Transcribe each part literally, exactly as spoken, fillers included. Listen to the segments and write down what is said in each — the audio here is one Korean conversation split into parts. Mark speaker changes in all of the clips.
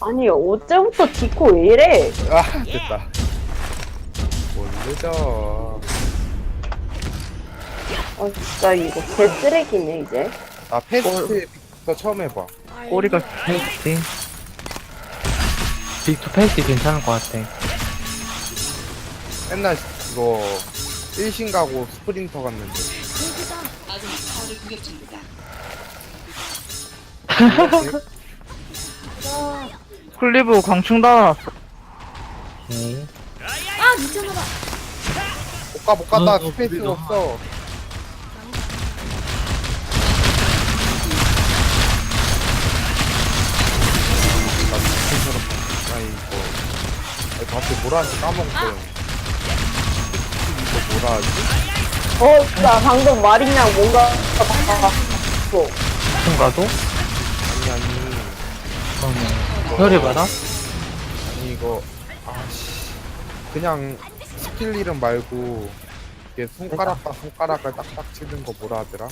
Speaker 1: 아니 어제부터 디코 왜 이래?
Speaker 2: 아 됐다. 모르죠.
Speaker 1: 아 진짜 이거 개쓰레기네 이제.
Speaker 2: 나 패스트부터 처음 해봐.
Speaker 3: 꼬리가 페이스팅. 빅투 페이스 괜찮을 것 같아.
Speaker 2: 맨날 이거 일신 가고 스프린터 갔는데.
Speaker 3: 클리브 광충 달아놨어.
Speaker 4: 오케이.
Speaker 5: 아 미쳤나봐.
Speaker 2: 못 가 못 갔다.
Speaker 4: 어, 어,
Speaker 2: 스페이스가
Speaker 4: 우리가.
Speaker 2: 없어. 나 스페이스처럼 나 이거 아니, 갑자기 뭐라 하는지 까먹었어요. 이거 뭐라 하지?
Speaker 1: 어 진짜 방금 말이랑 뭔가 바꿨어.
Speaker 3: 총가도?
Speaker 2: 아니 아니
Speaker 3: 그러면 혈이 받아?
Speaker 2: 아니 이거 아씨 그냥 스킬 이름 말고 이게 손가락과 손가락을 딱딱 치는 거 뭐라 하더라?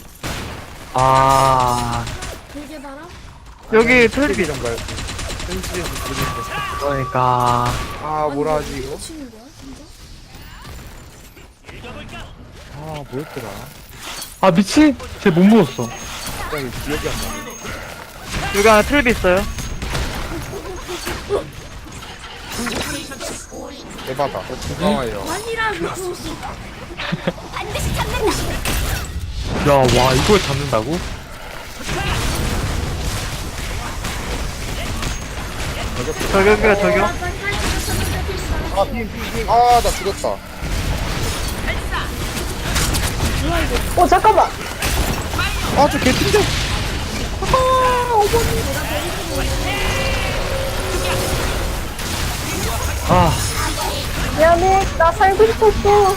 Speaker 3: 아
Speaker 5: 되게 바람?
Speaker 3: 여기
Speaker 2: 스킬
Speaker 3: 틀비.
Speaker 2: 이름 말고 현실에서 부르는 거.
Speaker 3: 그러니까
Speaker 2: 아 뭐라 하지 이거?
Speaker 5: 치는 거야 진짜?
Speaker 2: 아 뭐였더라?
Speaker 3: 아 미친! 쟤 못 먹었어.
Speaker 2: 진짜 이거 기억이 안 나네.
Speaker 3: 여기 하나 틀비 있어요.
Speaker 2: 대박아. 고마워요.
Speaker 5: 아니라고.
Speaker 3: 야 와 이걸 잡는다고? 저격이야 저격.
Speaker 2: 아 핑핑핑. 아 나 죽었다.
Speaker 1: 어 잠깐만.
Speaker 2: 아저 개핀데.
Speaker 3: 아
Speaker 1: 미안해 나 살고 싶었어.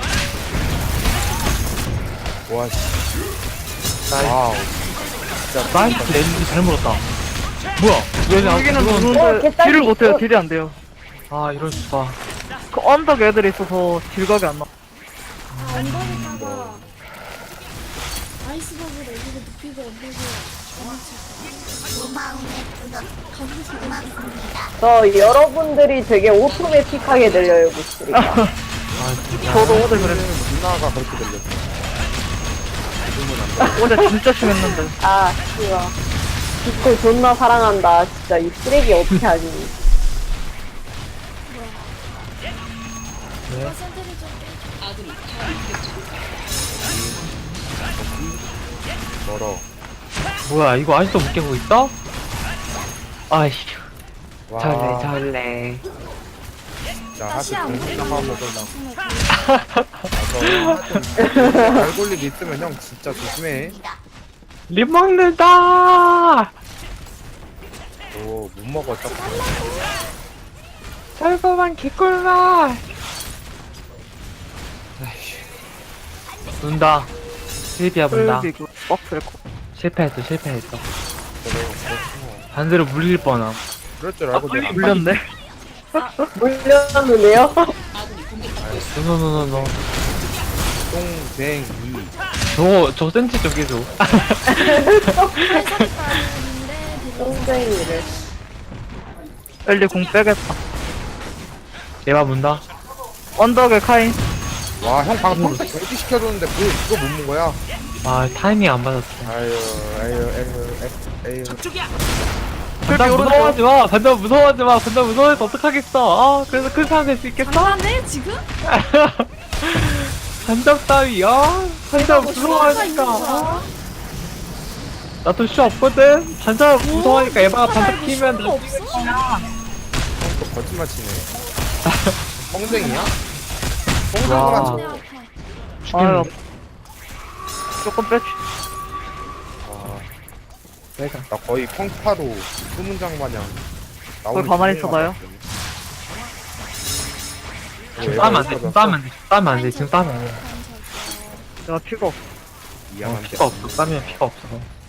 Speaker 2: 와 씨. 와우. 진짜
Speaker 3: 나이스 렌즈 잘 물었다. 뭐야? 여기
Speaker 1: 어,
Speaker 3: 여기는 누군데
Speaker 1: 개딸기.
Speaker 3: 딜을 못해요.
Speaker 1: 어.
Speaker 3: 딜이 안 돼요. 아 이럴 수가. 그 언덕 애들이 있어서 딜각이 안 나.
Speaker 5: 아 언덕에다가 아이스버그를 여기를 눕히고 언덕에
Speaker 1: 저 여러분들이 되게 오토매틱하게 들려요 목소리가.
Speaker 3: 아 진짜. 저도 어제 그랬어.
Speaker 2: 누나가 그렇게 들렸어. 지금은 안 들려.
Speaker 3: 어제 진짜 심했는데.
Speaker 1: 아 씨발. 디코 존나 사랑한다. 진짜 이 쓰레기 어떻게 하지?
Speaker 5: 누가 센터를 좀
Speaker 2: 멀어.
Speaker 3: 뭐야 이거 아직도 못 깨고 있어? 아이씨.
Speaker 2: 와.
Speaker 3: 잘래 잘래.
Speaker 2: 자 하트
Speaker 5: 다시 안
Speaker 2: 정신
Speaker 5: 보이는
Speaker 2: 나가
Speaker 5: 거
Speaker 2: 먹으려고. 맞아. 알골림 있으면 형 진짜 조심해.
Speaker 3: 립 먹는다.
Speaker 2: 오 못 먹어 딱.
Speaker 3: 달콤한 개꿀맛. 눈다. 실비야 문다. 실패했어 실패했어. 반대로 물릴 뻔함.
Speaker 2: 그럴 줄 알고 내가
Speaker 3: 물렸네.
Speaker 1: 물렸는데요?
Speaker 3: 노노노노노.
Speaker 2: 똥쟁이.
Speaker 3: 저거 저 센치 좀 깨줘.
Speaker 1: 똥쟁이를.
Speaker 3: 빨리 공 빼겠다. 얘가 문다. 언덕에 카인.
Speaker 2: 와 형 방금 컴퓨터 경기 시켜줬는데 그거 그거 못 먹은 거야?
Speaker 3: 아 타이밍 안 맞았어.
Speaker 2: 아유 아유 아유 아유.
Speaker 3: 반장 무서워하지 마. 반장 무서워하지 마. 반장 무서워해서 어떡하겠어. 아 그래서 큰 사람 될 수 있겠어?
Speaker 5: 장난해 지금?
Speaker 3: 반장 따위. 아 반장
Speaker 5: 뭐 슈화가 있는
Speaker 3: 무서워하니까.
Speaker 5: 거야?
Speaker 3: 나도 슈 없거든. 반장 무서워하니까 에바가 반장 키면
Speaker 5: 슈화가 없어?
Speaker 2: 또 거짓말 치네. 뻥쟁이야?
Speaker 3: 와.
Speaker 2: 뻥쟁이라
Speaker 5: 내
Speaker 2: 쳐.
Speaker 5: 아파.
Speaker 3: 아유 조금 빼.
Speaker 2: 아,
Speaker 3: 내가
Speaker 2: 나 거의 펑파로 수문장 마냥 나오는
Speaker 3: 거기 가만히
Speaker 2: 기분이
Speaker 3: 있어봐요.
Speaker 2: 나왔더니.
Speaker 3: 지금
Speaker 2: 오,
Speaker 3: 싸면 안 돼.
Speaker 2: 얘가
Speaker 3: 지금 싸면 안 돼. 싸면 안 돼. 지금 싸면 안 돼. 내가 피가 없어.
Speaker 2: 미안한데.
Speaker 3: 피가 없어. 싸면 피가 없어.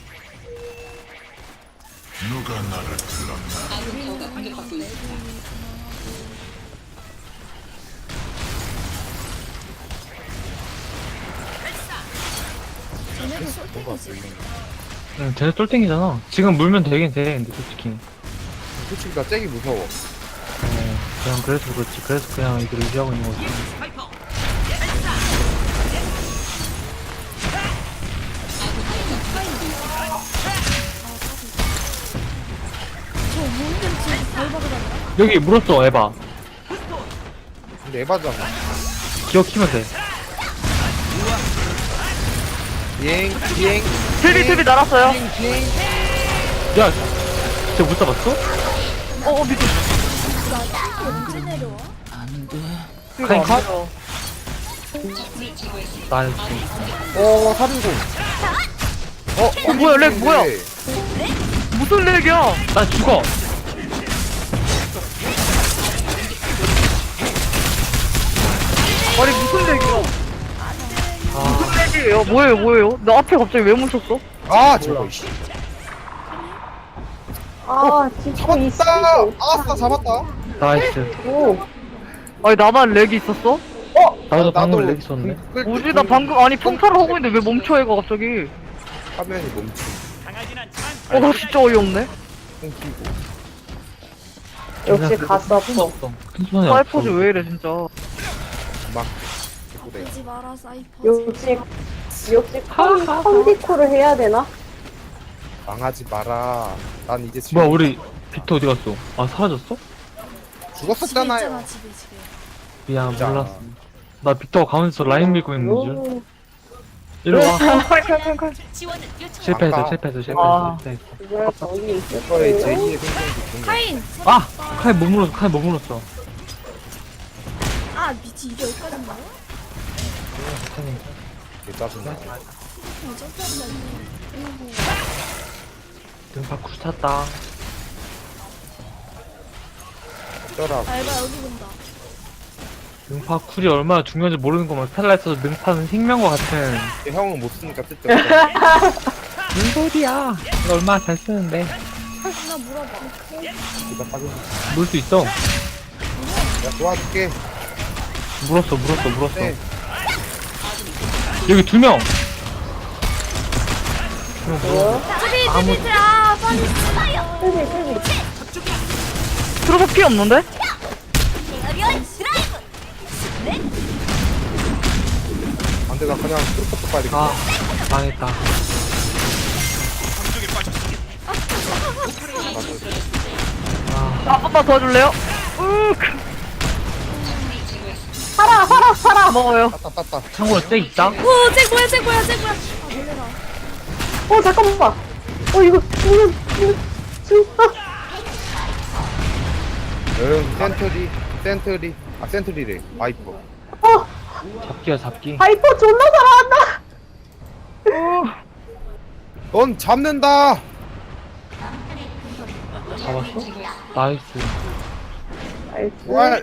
Speaker 5: 쟤네도
Speaker 2: 뭔가
Speaker 5: 솔직히
Speaker 2: 들리네.
Speaker 3: 응, 쟤네 쫄땡이잖아. 지금 물면 되긴 돼. 근데 솔직히.
Speaker 2: 솔직히 나 잭이 무서워.
Speaker 3: 어, 그냥 그래서 그렇지. 그래서 그냥 이걸 유지하고 있는 거지.
Speaker 5: 저 뭔데 지금 벌벌하다가
Speaker 3: 여기 물었어, 에바.
Speaker 2: 근데 에바잖아.
Speaker 3: 기억 키면 돼.
Speaker 2: 비행, 비행.
Speaker 6: 틀비 틀비 날았어요.
Speaker 2: 비행, 비행.
Speaker 3: 야, 진짜 못 잡았어?
Speaker 6: 어어 미친.
Speaker 5: 언제 내려와?
Speaker 3: 카인 컷? 나이스.
Speaker 2: 어, 살인공. 어,
Speaker 6: 어, 뭐야, 렉 뭐야?
Speaker 2: 네.
Speaker 6: 무슨 렉이야?
Speaker 3: 나 죽어.
Speaker 6: 아니 무슨 렉이야?
Speaker 3: 아,
Speaker 6: 무슨 렉이에요? 뭐예요 뭐예요? 나 앞에 갑자기 왜 뭉쳤어?
Speaker 2: 아, 저거, 씨.
Speaker 1: 아, 진짜 이 쓰레기.
Speaker 2: 잡았다! 아싸, 잡았다.
Speaker 3: 나이스.
Speaker 1: 오.
Speaker 6: 아니 나만 렉이 있었어?
Speaker 3: 나도 방금 렉 있었네.
Speaker 2: 끌-
Speaker 6: 뭐지
Speaker 2: 끌-
Speaker 6: 나 방금 아니 평타를 하고 있는데 왜 멈춰 얘가 갑자기?
Speaker 2: 화면이 멈추.
Speaker 6: 어 나 진짜 어이없네.
Speaker 2: 끊기고.
Speaker 1: 역시 가스
Speaker 3: 손
Speaker 1: 아파.
Speaker 3: 없어. 큰 손에
Speaker 6: 사이퍼즈 왜 이래 진짜.
Speaker 2: 막. 듣고 내.
Speaker 5: 아프지 마라 사이퍼.
Speaker 1: 역시, 역시 컨, 컨디코를 해야 되나?
Speaker 2: 망하지 마라. 난 이제 지금
Speaker 3: 뭐야, 우리 빅터 어디 갔어? 아, 사라졌어?
Speaker 5: 집에
Speaker 2: 죽었었잖아요.
Speaker 5: 있잖아 집에 집에.
Speaker 3: 미안,
Speaker 2: 진짜.
Speaker 3: 몰랐어. 나 빅터가 가면서 라인 밀고 있는 줄.
Speaker 1: 오.
Speaker 3: 일로 와.
Speaker 6: 칼칼칼칼.
Speaker 3: 실패했어,
Speaker 2: 아까-
Speaker 3: 실패했어,
Speaker 6: 아.
Speaker 3: 실패했어. 실패했어.
Speaker 1: 이걸 저기 있을
Speaker 2: 이거의
Speaker 1: 거예요.
Speaker 2: 제이의 생존기 좋은 거.
Speaker 5: 카인.
Speaker 3: 아! 칼 못 물었어, 칼 못 물었어.
Speaker 5: 아 미치 이게 여기까지 나와?
Speaker 2: 개 짜증나.
Speaker 5: 어 점프한다 이거.
Speaker 3: 등 밖으로 탔다.
Speaker 2: 어쩌라고.
Speaker 5: 알바 여기 본다.
Speaker 3: 능파 쿨이 얼마나 중요한지 모르는 거면 스텔라에서 능파는 생명과 같은
Speaker 2: 형은 못 쓰니까 쓸데없어.
Speaker 3: 무슨 소리야. 이거 얼마나 잘 쓰는데.
Speaker 5: 나 물어봐.
Speaker 2: 기가 빠져.
Speaker 3: 물 수 있어.
Speaker 2: 내가 도와줄게.
Speaker 3: 물었어, 물었어, 물었어.
Speaker 2: 네.
Speaker 3: 여기 두 명.
Speaker 5: 트비
Speaker 3: 아무-
Speaker 5: 트비 아 빨리 쓰나요?
Speaker 1: 쓰레기, 쓰레기.
Speaker 6: 들어서 피 없는데?
Speaker 2: 안돼, 나 그냥 트루퍼도 봐야 되겠다.
Speaker 3: 아, 망했다. 아,
Speaker 6: 아, 한 번만 도와줄래요? 으
Speaker 1: 살아, 살아, 살아.
Speaker 6: 먹어요.
Speaker 2: 따따, 따따.
Speaker 3: 참고로 쟤 있다?
Speaker 5: 오잭 뭐야 잭 뭐야 잭 뭐야. 아 놀래라.
Speaker 1: 어, 잠깐만. 어, 이거, 이거, 이거, 진짜.
Speaker 2: 응, 센트리, 센트리. 아, 센트리래. 와이퍼.
Speaker 1: 어,
Speaker 3: 잡기야, 잡기.
Speaker 1: 하이퍼 존나 잘한다.
Speaker 2: 넌 잡는다!
Speaker 3: 잡았어? 나이스.
Speaker 1: 나이스.
Speaker 2: 와,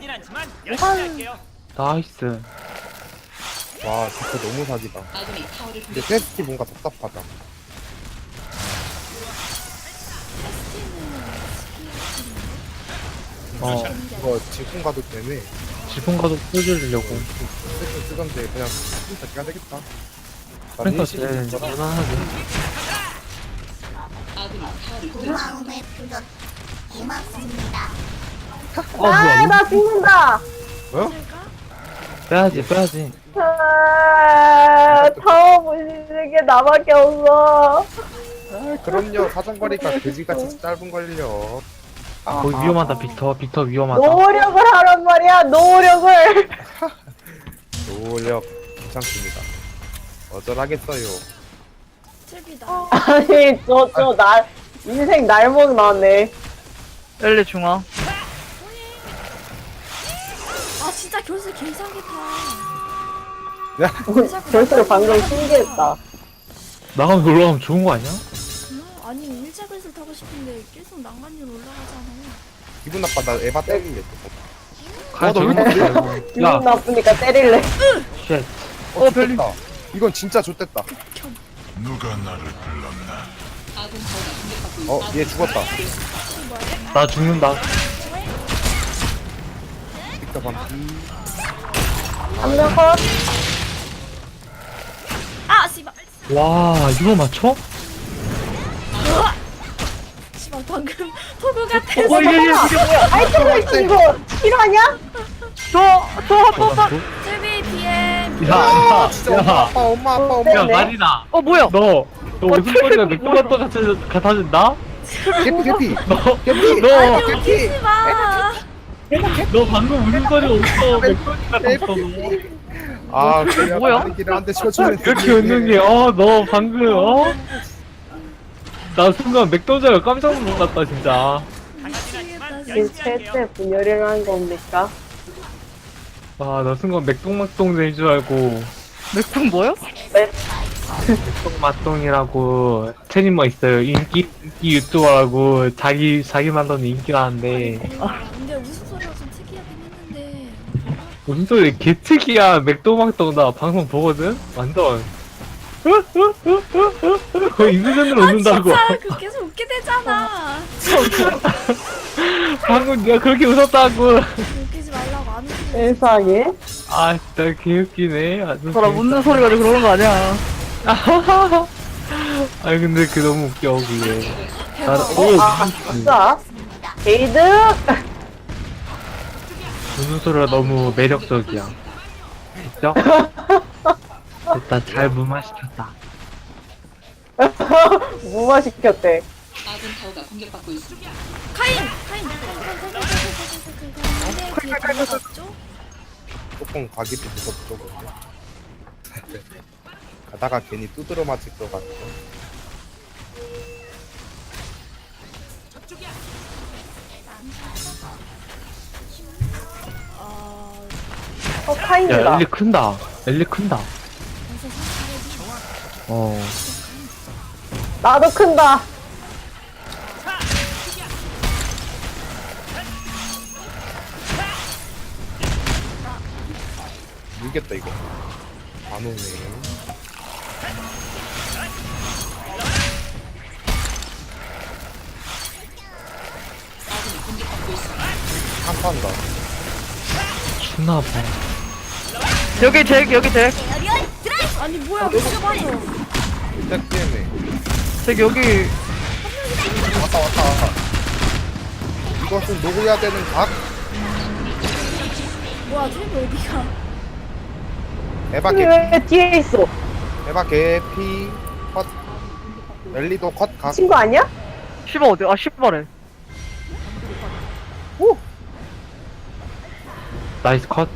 Speaker 3: 나이스.
Speaker 2: 와, 진짜 너무 사기다. 근데 테스티 뭔가 답답하다.
Speaker 3: 어,
Speaker 2: 이거 질풍 가도 되네.
Speaker 3: 지붕 가도 쏘주려고.
Speaker 2: 세팅 쓰던데 그냥 진짜 기가 되겠다.
Speaker 3: 그러니까 쟤 무난하게. 어, 뭐야,
Speaker 1: 아,
Speaker 3: 이거?
Speaker 1: 나 죽는다.
Speaker 2: 어?
Speaker 3: 빼야지, 빼야지.
Speaker 1: 아, 타워 부시는 게 나밖에 없어.
Speaker 2: 아, 그럼요. 사정거리가 그지같이 짧은 걸요.
Speaker 3: 거기 위험하다, 빅터. 빅터 위험하다.
Speaker 1: 노력을 하란 말이야, 노력을.
Speaker 2: 노력 괜찮습니다. 어쩌라겠어요.
Speaker 5: 트비다.
Speaker 1: 아니, 저, 저, 날, 인생 날먹 나네.
Speaker 6: 엘리 중앙.
Speaker 5: 아 진짜 결승 개사기다.
Speaker 2: 야,
Speaker 1: 결승 방금 신기했다.
Speaker 3: 나가면 올라가면 좋은 거 아니야?
Speaker 5: 음, 아니 일자글을 타고 싶은데 계속 난간으로 올라가잖아.
Speaker 2: 기분 나빠. 나 에바 때릴래.
Speaker 3: 가,
Speaker 2: 어, 나
Speaker 3: 저기
Speaker 2: 왜 이렇게
Speaker 3: 있어.
Speaker 1: 기분
Speaker 3: 야,
Speaker 1: 나쁘니까 때릴래.
Speaker 3: 쉣.
Speaker 2: 어, 좋됐다. 이건 진짜 좋됐다.
Speaker 7: 누가 나를 불렀나?
Speaker 2: 어, 얘 죽었다.
Speaker 3: 나 죽는다.
Speaker 2: 빅터 반피.
Speaker 1: 한명 컷.
Speaker 5: 아 씨발.
Speaker 3: 와, 이거 맞춰?
Speaker 5: 씨발 더 방금 토구 같아.
Speaker 6: 어, 이게, 이게, 이게 뭐야?
Speaker 1: 아이템 이거 필요하냐?
Speaker 6: 저, 저 핫도사.
Speaker 5: 제비 비엠.
Speaker 3: 야, 야,
Speaker 2: 진짜 엄마
Speaker 3: 야,
Speaker 2: 아빠 엄마 아빠 엄마
Speaker 3: 야,
Speaker 1: 네.
Speaker 3: 말이다.
Speaker 6: 어, 뭐야?
Speaker 3: 너, 너
Speaker 6: 어,
Speaker 3: 웃음소리가
Speaker 6: 트랙이 뭐야?
Speaker 3: 맥도날드 같아, 같아진다?
Speaker 2: 개피 개피
Speaker 3: 너,
Speaker 2: 개피
Speaker 3: 너,
Speaker 5: 아니
Speaker 2: 개피
Speaker 5: 웃기지 마.
Speaker 3: 너 방금 웃음소리 없어. 맥도날드 같았어, 너.
Speaker 2: 아 그래야
Speaker 6: 뭐야?
Speaker 2: 다른 한대 쳐주면
Speaker 3: 이렇게 웃는 게, 어, 너 방금, 어? 나 순간 맥도날드가 깜짝 놀랐다, 진짜.
Speaker 5: 미치겠다 진짜.
Speaker 1: 이 최대 분열이라는 겁니까?
Speaker 3: 아, 나 순간 맥동맥동인 줄 알고.
Speaker 6: 맥북 뭐야?
Speaker 3: 맥동맛동이라고 채님뭐 있어요. 인기, 인기 유튜버라고 자기, 자기 만드는 인기라는데.
Speaker 5: 근데 웃음소리가 좀 특이하긴 했는데.
Speaker 3: 무슨 소리 개특이야. 맥도막동 나 방송 보거든? 완전. 거의 인수전으로 웃는다고.
Speaker 5: 아 진짜 그 계속 웃게 되잖아.
Speaker 3: 방금 내가 그렇게 웃었다고.
Speaker 5: 웃기지 말라고 안 웃기지.
Speaker 1: 세상에.
Speaker 3: 아, 진짜 개웃기네. 아주
Speaker 6: 사람 웃는 소리 가지고 그러는 거 아니야.
Speaker 3: 아니, 근데 그 너무 웃겨, 그게. 나,
Speaker 5: 대박.
Speaker 3: 오,
Speaker 1: 아, 진짜. 게이드.
Speaker 3: 웃는 소리가 너무 매력적이야. 진짜? 일단 잘 무마시켰다.
Speaker 1: 무마 시켰대.
Speaker 5: 카인 카인. 근데 뒤에 들어갔죠?
Speaker 2: 조금 가기도 무섭죠 근데 가다가 괜히 두드러 맞을 것 같아
Speaker 5: 어.
Speaker 1: 어,
Speaker 3: 야,
Speaker 1: 카인이다.
Speaker 3: 엘리 큰다. 엘리 큰다. 어.
Speaker 1: 나도 큰다.
Speaker 2: 밀겠다 이거 안 오네 한판다
Speaker 3: 추나봐.
Speaker 6: 여기 잭, 여기 잭.
Speaker 5: 아니 뭐야 왜 이렇게 맞아?
Speaker 2: tek 때문에
Speaker 6: 잭, 여기.
Speaker 2: 왔다 왔다 왔다 이것은 녹여야 되는 각
Speaker 5: 뭐야 트리버 어디가?
Speaker 2: 에바
Speaker 1: 이게
Speaker 2: 개피
Speaker 1: 왜 뒤에 있어?
Speaker 2: 에바 개피 컷 랠리도 컷각
Speaker 1: 친구 아니야?
Speaker 6: 시바 어디? 아, 시바래.
Speaker 3: 나이스 컷.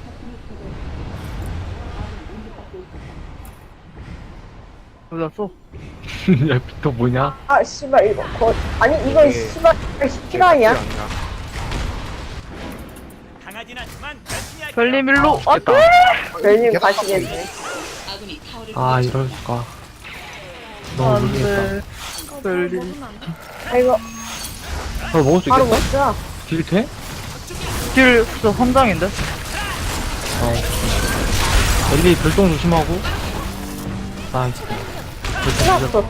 Speaker 6: 어디 갔어?
Speaker 3: 야, 빅터 뭐냐?
Speaker 1: 아, 씨발, 이거. 거... 아니, 이건
Speaker 2: 이게-
Speaker 1: 씨발, 실화냐?
Speaker 6: 별님 일로. 아,
Speaker 3: 됐다.
Speaker 1: 별님
Speaker 2: 계속
Speaker 1: 가시겠네.
Speaker 3: 아, 이럴수가. 너무
Speaker 6: 안
Speaker 3: 모르겠다.
Speaker 6: 돼.
Speaker 5: 이거
Speaker 6: 별리.
Speaker 5: 먹으면 안 돼?
Speaker 1: 아이고,
Speaker 3: 어, 먹을 수
Speaker 1: 바로
Speaker 3: 있겠어?
Speaker 1: 먹자.
Speaker 3: 딜 돼?
Speaker 6: 딜, 진짜 선장인데?
Speaker 3: 어. 엘리 별똥 조심하고. 나이스.
Speaker 1: 끝났어.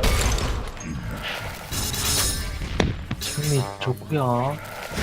Speaker 3: 승리 좋구요.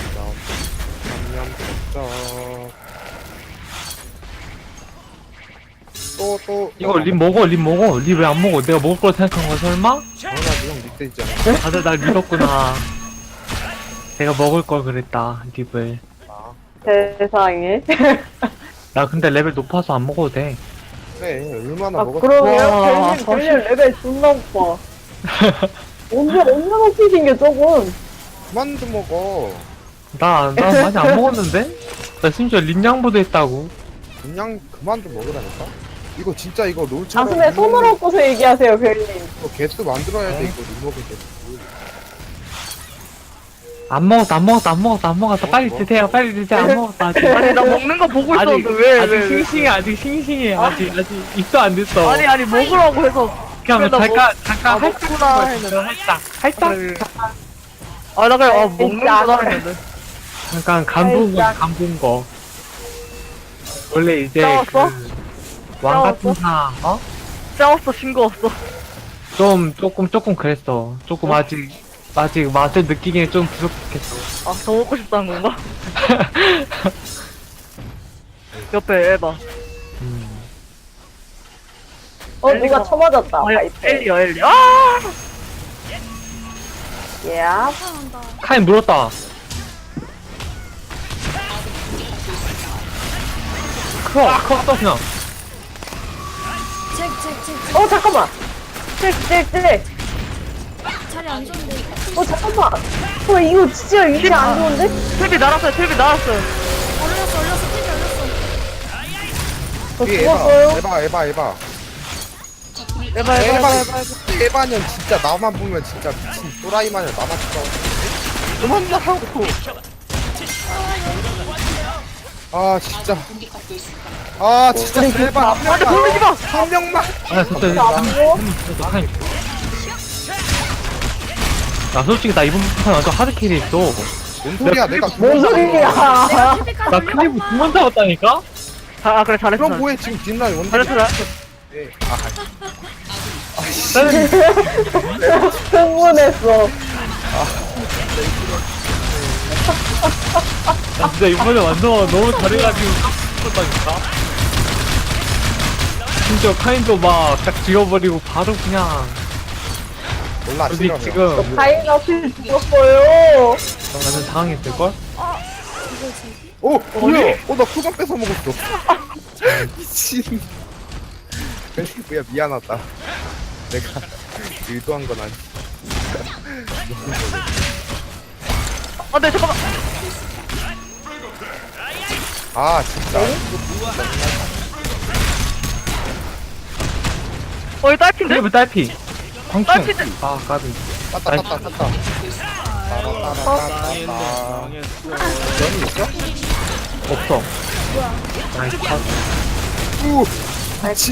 Speaker 2: 또또
Speaker 3: 이거 립 먹어, 립 먹어. 립 왜 안 먹어? 내가 먹을 걸 생각한 거야, 설마?
Speaker 2: 나 지금 밑에 있잖아
Speaker 3: 다들 날 믿었구나. 내가 먹을 걸 그랬다, 립을.
Speaker 2: 아,
Speaker 1: 세상에.
Speaker 3: 나 근데 레벨 높아서 안 먹어도 돼.
Speaker 2: 그래 얼마나
Speaker 1: 아,
Speaker 2: 먹었어
Speaker 1: 그러면
Speaker 6: 와,
Speaker 1: 별님, 별님 레벨 존나 높아. 언제, 언제 높이 생겨, 조금.
Speaker 2: 그만 좀 먹어
Speaker 3: 나, 나 많이 안 먹었는데? 나 심지어 립양보도 했다고.
Speaker 2: 그냥 그만 좀 먹으라니까 이거 진짜 이거 롤처럼
Speaker 1: 가슴에 손을 얹고서 얘기하세요, 별님.
Speaker 2: 이거 개수 만들어야 돼 이거 리모컨 개수
Speaker 3: 안 먹었어, 안 먹었어, 안 먹었어, 안 먹었어. 빨리
Speaker 2: 뭐?
Speaker 3: 드세요, 빨리 드세요. 안 먹었어, 아직.
Speaker 6: 아니, 나 먹는 거 보고
Speaker 3: 아직,
Speaker 6: 있었는데, 왜,
Speaker 3: 아직
Speaker 6: 왜, 왜.
Speaker 3: 싱싱해, 아직 싱싱해. 아직, 아직 입도 안 됐어.
Speaker 6: 아니, 아니, 먹으라고 해서.
Speaker 3: 그냥
Speaker 6: 나
Speaker 3: 잠깐,
Speaker 6: 먹-
Speaker 3: 잠깐,
Speaker 6: 아,
Speaker 3: 할짝
Speaker 6: 먹구나
Speaker 3: 먹었어,
Speaker 6: 했는데.
Speaker 3: 살짝, 살짝.
Speaker 6: 그래. 아, 나 그냥, 아, 먹는구나 했는데.
Speaker 3: 잠깐, 간 부은 거,
Speaker 1: 살짝.
Speaker 3: 간 부은 거. 원래 이제
Speaker 6: 싸웠어?
Speaker 3: 그, 왕 같은 사, 어?
Speaker 6: 싸웠어, 싱거웠어.
Speaker 3: 좀, 조금, 조금 그랬어. 조금 아직, 아직 맛을 느끼기엔 좀 부족했어.
Speaker 6: 아, 더 먹고 싶다는 건가? 옆에 에바.
Speaker 3: 음.
Speaker 1: 어, 누가 쳐맞았다.
Speaker 6: 아, 야,
Speaker 1: 파이프.
Speaker 6: 엘리야, 엘리. 아!
Speaker 1: 예.
Speaker 5: 나타난다.
Speaker 3: 카인 물었다. 커, 커, 떠시나.
Speaker 5: 잭, 잭, 잭, 잭.
Speaker 1: 어, 잠깐만. 찔찔찔.
Speaker 5: 자리 안 좋은데.
Speaker 1: 어, 잠깐만. 어, 이거 진짜 위치 안 좋은데?
Speaker 6: 텔비 날았어요, 텔비 날았어요.
Speaker 5: 올렸어, 올렸어, TV 올렸어.
Speaker 1: 저
Speaker 2: 뒤에
Speaker 1: 죽었어요.
Speaker 2: 에바 에바 에바 에바
Speaker 6: 에바, 에바,
Speaker 2: 에바
Speaker 6: 에바.
Speaker 2: 에바 에바년 진짜 나만 보면 진짜 미친 또라이 마냥 나만 진짜 그만 나하고 아 진짜 아 진짜 제발 한
Speaker 6: 아, 근데 돌리지 마!
Speaker 2: 한 명만
Speaker 3: 아, 진짜,
Speaker 1: 진짜 안 보여?
Speaker 3: 카인. 나 솔직히 나 이번 판 완전 하드캐리 했어.
Speaker 2: 뭔 소리야 내가
Speaker 1: 뭔 소리야.
Speaker 5: TV까지
Speaker 3: 나 클리브 두 번 잡았다니까?
Speaker 6: 아, 아, 그래, 잘했어.
Speaker 2: 그럼 뭐해 지금 뒷라인 원딜
Speaker 6: 잘했어, 잘했어.
Speaker 1: 흥분했어.
Speaker 3: 나 진짜 이번에 완전 너무 잘해가지고 깜짝다니까. 심지어 카인도 막 딱 지워버리고 바로 그냥
Speaker 2: 몰라
Speaker 3: 여기
Speaker 2: 싫어
Speaker 3: 지금
Speaker 1: 가인 앞에 죽었어요.
Speaker 3: 완전 당황했을걸?
Speaker 5: 이거 잭이?
Speaker 2: 오 뭐야 어나 쿠방 뺏어 먹었어 미친 뭐야 미안하다 내가 의도한 건 아니
Speaker 6: 아, 네, 잠깐만.
Speaker 2: 아 진짜
Speaker 6: 어, 이 딸핀데?
Speaker 3: 클리브 딸피 광충.
Speaker 6: 딸핀데?
Speaker 3: 아 까비.
Speaker 2: 땄다 땄다 땄다 따라따라따따 연이 있어?
Speaker 3: 없어. 나이스 컷.
Speaker 2: 우 미친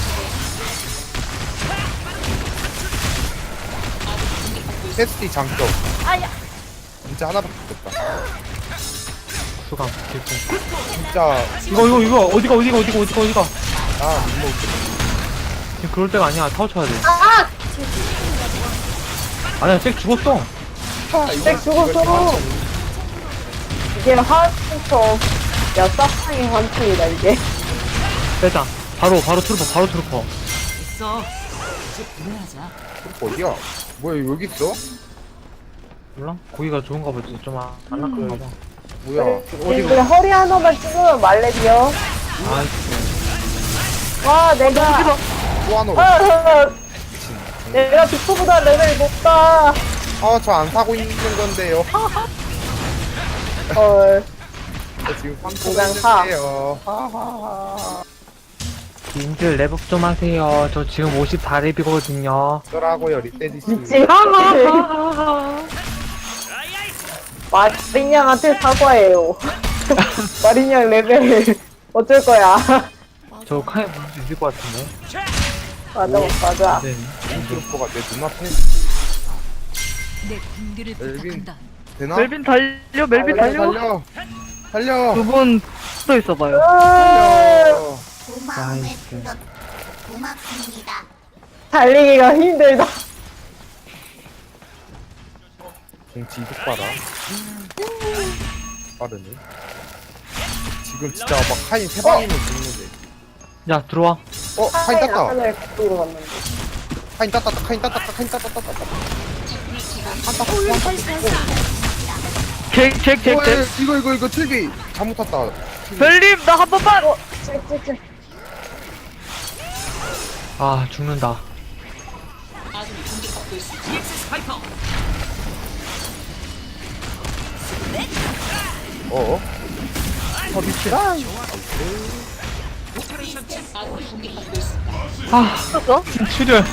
Speaker 2: 테스티 장점
Speaker 5: 아야.
Speaker 2: 진짜 하나밖에 없다
Speaker 3: 수강. 질풍.
Speaker 2: 진짜
Speaker 3: 이거 이거 이거 어디가 어디가 어디가 어디가 어디가.
Speaker 2: 아 이거
Speaker 3: 지금 그럴 때가 아니야. 타워 쳐야 돼.
Speaker 1: 아!
Speaker 5: 잭 TV가
Speaker 3: 아니야 잭 죽었어.
Speaker 1: 잭 죽었어. 이게 한처 야, 싹상의 환풍이다, 이게.
Speaker 3: 빼자. 바로 바로 트루퍼 바로 트루퍼.
Speaker 2: 어디야? 뭐야 여기 있어?
Speaker 3: 몰라? 고기가 좋은가 보지. 좀 안 낙한가 봐.
Speaker 2: 뭐야
Speaker 1: 근데 허리 하나만 찍으면 말레비요.
Speaker 3: 아이씨.
Speaker 1: 와, 내가.
Speaker 2: 또 하나
Speaker 1: 아, 아, 내가 빅토보다 레벨 높다.
Speaker 2: 아저 안 사고 있는 건데요
Speaker 1: 헐.
Speaker 2: 저 지금 삼
Speaker 1: 그냥 사.
Speaker 2: 있는데요 하하하
Speaker 3: 님들 랩업 좀 하세요. 저 지금 오십사 랩이거든요.
Speaker 2: 어쩌라고요 리테디스
Speaker 1: 미치. 마린양한테 사과해요. 마린양 레벨 어쩔 거야.
Speaker 3: 저 카이 볼수 있을 것 같은데.
Speaker 1: 맞아, 맞아.
Speaker 3: 네.
Speaker 2: 트루퍼가 내 눈앞에
Speaker 8: 내 군대를
Speaker 2: 멜빈
Speaker 8: 부탁한다.
Speaker 2: 되나?
Speaker 6: 멜빈 달려, 멜빈
Speaker 2: 달려
Speaker 6: 달려.
Speaker 2: 달려 달려
Speaker 6: 두 분 또 있어봐요.
Speaker 2: 달려
Speaker 3: 나이스.
Speaker 1: 달리기가 힘들다.
Speaker 2: 공지 이득 봐라 빠르네 지금 진짜 막 카인 세 방이면 죽는데
Speaker 3: 야 들어와.
Speaker 2: 어? 카인
Speaker 1: 아까
Speaker 2: 땄다
Speaker 1: 전에 그쪽으로 갔는데.
Speaker 2: 카인 땄다 카인 땄다 카인 땄다 땄다 땄다 한타
Speaker 5: 다시, 다시.
Speaker 6: 잭, 잭, 잭, 잭.
Speaker 2: 이거 이거 이거 틀기 잘못 탔다
Speaker 6: 벨님, 나 한 번만!
Speaker 1: 찔찔찔.
Speaker 3: 아 죽는다.
Speaker 2: 어어? 어 미치라
Speaker 3: 아
Speaker 6: 떴어?
Speaker 3: 출혈.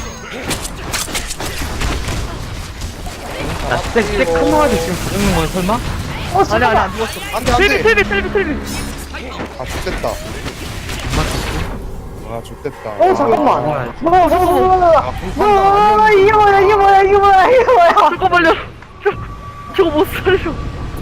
Speaker 3: 야쎄쎄 큰 놈한테 지금 가져는 거야 설마?
Speaker 1: 어,
Speaker 6: 아니,
Speaker 1: 잠깐만.
Speaker 6: 아니, 안 죽었어.
Speaker 2: 안돼
Speaker 6: 텔비,
Speaker 2: 안돼
Speaker 6: 텔비, 텔비, 텔비.
Speaker 2: 아 좋됐다 아 좋됐다
Speaker 1: 어, 잠깐만.
Speaker 3: 아,
Speaker 1: 뭐야, 뭐야, 뭐야, 뭐야.
Speaker 2: 아 공판도
Speaker 1: 뭐야,
Speaker 2: 아니었는데
Speaker 1: 이게 뭐야, 이게 뭐야, 이게 뭐야, 이게 뭐야.
Speaker 6: 잠깐만요. 저, 저거 못 살려.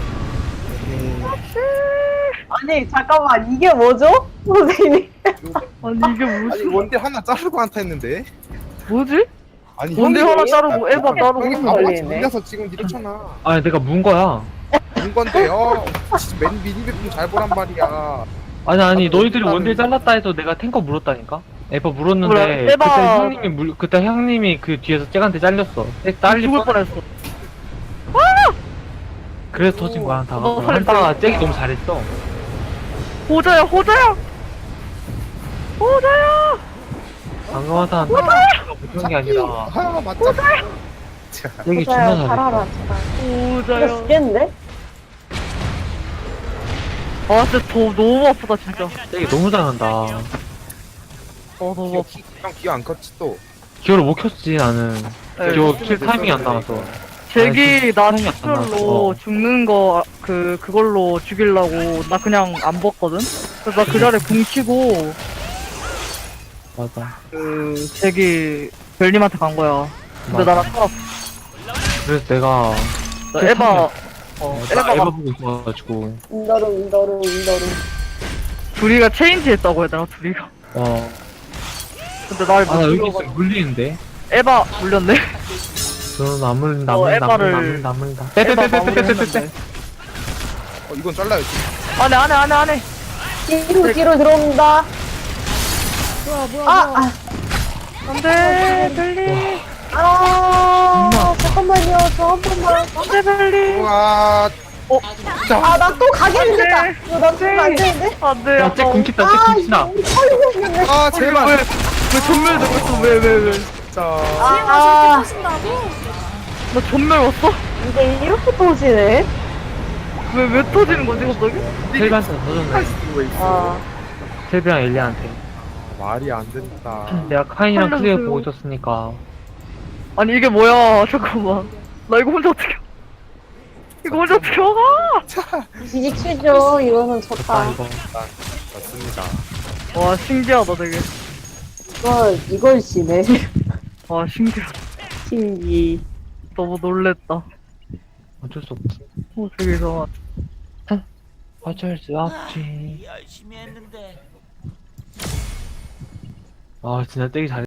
Speaker 1: 아니, 잠깐만, 이게 뭐죠? 선생님.
Speaker 6: 아니, 이게
Speaker 2: 아니
Speaker 6: 무슨,
Speaker 2: 원딜 하나 자르고 한타 했는데
Speaker 6: 뭐지?
Speaker 2: 아니
Speaker 6: 원딜
Speaker 2: 형이-
Speaker 6: 하나 자르고 에바 자르고
Speaker 2: 형이
Speaker 1: 한
Speaker 2: 바보같이
Speaker 1: 걸리네.
Speaker 2: 밀려서 지금 이렇잖아
Speaker 3: 아니 내가 문 거야.
Speaker 2: 본 건데요 진짜 맨 미니맵 좀잘 보란 말이야
Speaker 3: 아니 아니
Speaker 2: 아,
Speaker 3: 너희들이
Speaker 2: 일단은-
Speaker 3: 원딜 잘랐다 해서 내가 탱커 물었다니까. 에바 물었는데
Speaker 6: 뭐야, 에바-
Speaker 3: 그때 형님이 물 그때 형님이 그 뒤에서 쟤한테 잘렸어. 쟤 딸리
Speaker 6: 죽을
Speaker 3: 뻔.
Speaker 6: 뻔했어.
Speaker 3: 그래서 터진 거야 다가.
Speaker 6: 어,
Speaker 3: 한타가 잭이 너무 잘했어.
Speaker 6: 호자야 호자야 호자야.
Speaker 3: 방금 한타는 못한 게 아니라
Speaker 2: 아 맞다. 자,
Speaker 3: 잭이 존나
Speaker 1: 호자야,
Speaker 3: 잘했어.
Speaker 1: 살아라, 제발. 진짜
Speaker 6: 호자야.
Speaker 1: 죽겠는데?
Speaker 6: 아 진짜 더 너무 아프다 진짜.
Speaker 3: 잭이 너무 잘한다.
Speaker 6: 어 너무
Speaker 2: 기어,
Speaker 6: 아프.
Speaker 2: 기- 형 기어 안 컸지 또.
Speaker 3: 기어를 못 켰지 나는.
Speaker 6: 네,
Speaker 3: 기어 킬 타이밍이 안 나와서.
Speaker 6: 잭이 나
Speaker 3: 타이밍이 안 나와서.
Speaker 6: 출혈로
Speaker 3: 어.
Speaker 6: 죽는 거 그 그걸로 죽이려고 나 그냥 안 벗거든. 그래서 나 그 자리에 궁 치고
Speaker 3: 맞아.
Speaker 6: 그 잭이 벨님한테 간 거야. 근데
Speaker 3: 맞아.
Speaker 6: 나랑 살았어.
Speaker 3: 그래서 내가
Speaker 6: 나
Speaker 3: 그
Speaker 6: 에바
Speaker 3: 타이밍-
Speaker 6: 어
Speaker 3: 나 에바
Speaker 6: 에바가
Speaker 3: 보고 있어가지고.
Speaker 1: 인더룸, 인더룸, 인더룸.
Speaker 6: 둘이가 체인지 했다고 해야 되나 둘이가.
Speaker 3: 어.
Speaker 6: 근데 날
Speaker 3: 아 나 여기
Speaker 6: 못
Speaker 3: 있어
Speaker 6: 죽여가지고
Speaker 3: 물리는데.
Speaker 6: 에바 물렸네.
Speaker 3: 저는 안 물린다 안
Speaker 6: 어,
Speaker 3: 물린다 안
Speaker 6: 에바를-
Speaker 3: 물린다 안 물린다.
Speaker 6: 에바
Speaker 3: 빼빼빼빼빼빼빼.
Speaker 6: 마무리했는데.
Speaker 2: 어 이건 잘라야지.
Speaker 6: 안해 안해 안해 안해.
Speaker 1: 뒤로, 뒤로 들어옵니다.
Speaker 5: 뭐야 뭐야
Speaker 1: 아,
Speaker 5: 뭐야.
Speaker 1: 아,
Speaker 6: 안돼 벨리.
Speaker 1: 아, 잠깐만요. 저 한 번만.
Speaker 6: 안돼 벨리.
Speaker 2: 우와.
Speaker 1: 아, 나 또 가게 생겼다.
Speaker 6: 네.
Speaker 1: 이거 나 죽으면 안 되는데?
Speaker 6: 안돼.
Speaker 3: 야잭 궁kit다 잭
Speaker 1: 아,
Speaker 3: 궁kit다.
Speaker 1: 우리 털리고 생겼네.
Speaker 2: 아 제발.
Speaker 6: 왜왜 전멸 되고 있어 왜왜 왜?
Speaker 2: 진짜.
Speaker 1: 아,
Speaker 5: 저렇게 터진다고?
Speaker 6: 나 전멸 왔어?
Speaker 1: 이게 이렇게 터지네?
Speaker 6: 왜 왜 터지는 거지 갑자기?
Speaker 3: 텔비한테 터졌네.
Speaker 1: 아,
Speaker 3: 텔비랑 엘리한테.
Speaker 2: 말이 안 된다.
Speaker 3: 내가 카인이랑 클리어
Speaker 6: 살려주세요.
Speaker 3: 보고 있었으니까.
Speaker 6: 아니 이게 뭐야 잠깐만. 나 이거 혼자 어떻게? 이거 혼자 어떻게 막아?
Speaker 1: 뒤집히죠. 이거는
Speaker 3: 아
Speaker 1: 졌다.
Speaker 3: 이거.
Speaker 2: 맞습니다.
Speaker 6: 와 신기하다 되게.
Speaker 1: 이걸, 이걸 지네.
Speaker 6: 와 신기하다.
Speaker 1: 신기.
Speaker 6: 너무 놀랬다.
Speaker 3: 어쩔 수 없지.
Speaker 6: 어 되게 이상하다.
Speaker 3: 어쩔 수 없지.
Speaker 9: 열심히 했는데.
Speaker 3: 아 진짜 떼기 잘.